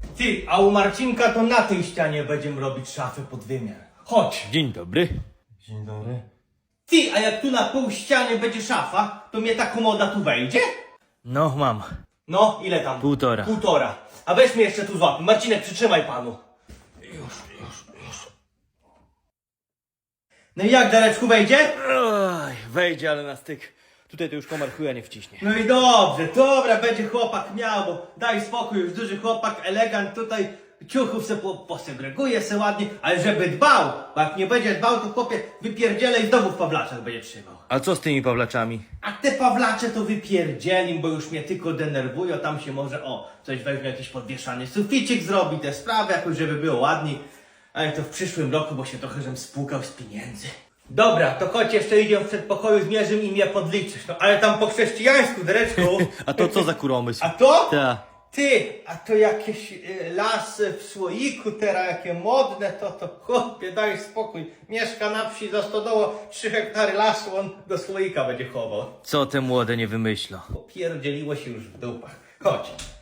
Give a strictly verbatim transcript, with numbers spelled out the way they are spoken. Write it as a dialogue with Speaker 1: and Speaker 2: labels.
Speaker 1: Ty, a u Marcinka to na tej ścianie będziemy robić szafę pod wymiar. Chodź.
Speaker 2: Dzień dobry.
Speaker 1: Dzień dobry. Ty, a jak tu na pół ściany będzie szafa, to mnie ta komoda tu wejdzie?
Speaker 2: No, mam.
Speaker 1: No, ile tam?
Speaker 2: Półtora.
Speaker 1: Półtora. A weź mnie jeszcze tu złap. Marcinek, przytrzymaj panu. Już, już, już. No i jak, Dareczku, wejdzie?
Speaker 2: Oj, wejdzie, ale na styk. Tutaj to już komar chuja nie wciśnie.
Speaker 1: No i dobrze, dobra, będzie chłopak miał, bo daj spokój, już duży chłopak, elegant, tutaj ciuchów se po, posegreguje se ładnie, ale żeby dbał, bo jak nie będzie dbał, to chłopie wypierdzielej i znowu w Pawlaczach będzie trzymał.
Speaker 2: A co z tymi Pawlaczami?
Speaker 1: A te Pawlacze to wypierdzielim, bo już mnie tylko denerwują, tam się może, o, coś weźmie, jakiś podwieszany suficik zrobi, te sprawy jakoś, żeby było ładniej. Ale to w przyszłym roku, bo się trochę żem spłukał z pieniędzy. Dobra, to chodź jeszcze idziemy w przedpokoju, zmierzymy i mnie podliczysz. No ale tam po chrześcijańsku, Dereczku.
Speaker 2: A to co za kuromysł?
Speaker 1: A to?
Speaker 2: Ta.
Speaker 1: Ty, a to jakieś y, lasy w słoiku teraz, jakie modne, to to chłopie, daj spokój. Mieszka na wsi za stodołą, trzy hektary lasu, on do słoika będzie chował.
Speaker 2: Co te młode nie wymyślą?
Speaker 1: Popierdzieliło się już w dupach. Chodź.